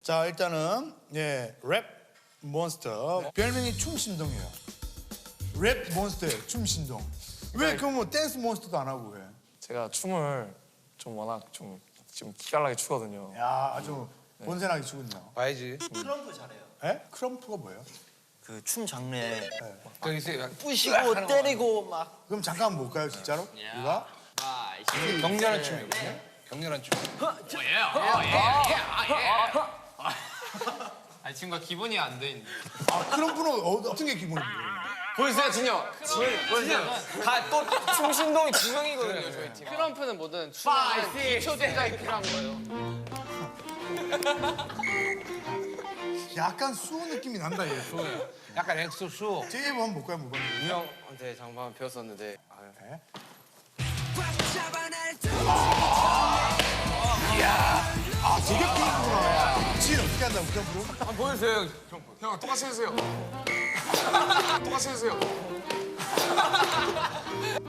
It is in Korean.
자, 일단은 랩 몬스터. 별명이 춤신동이에요. 랩 몬스터예요, 춤신동. 왜 그럼 뭐 댄스 몬스터도 안 하고 왜? 제가 춤을 좀 워낙 좀 기깔나게 추거든요. 야, 아주 본세나게 추군요. 봐야지. 크럼프 잘해요. 에? 크럼프가 뭐예요? 그 춤 장르에 저기서 부시고 때리고 막. 그럼 잠깐 한번 볼까요, 진짜로? 이거? 격렬한 춤이거든요. 격렬한 춤. 아니 친구가 기본이 안 돼 있네. 아, 크럼프는 어떤 게 기본인데? 보여주세요, 진영. 보여주세요. 또 춤신동이 두 명이거든요, 저희 팀. 크럼프는 뭐든 춤의 기초 제작이 필요한 거예요. 약간 수호 느낌이 난다, 얘. 약간 엑소수. 제이브 한번 볼까요, 뭐. 이 형한테 장반 배웠었는데. 네. 아, 되게 크구나. 지인 어떻게 한다고, 크럼프로? 한번 보여주세요, 형. 똑같이 해주세요. 똑같이 해주세요.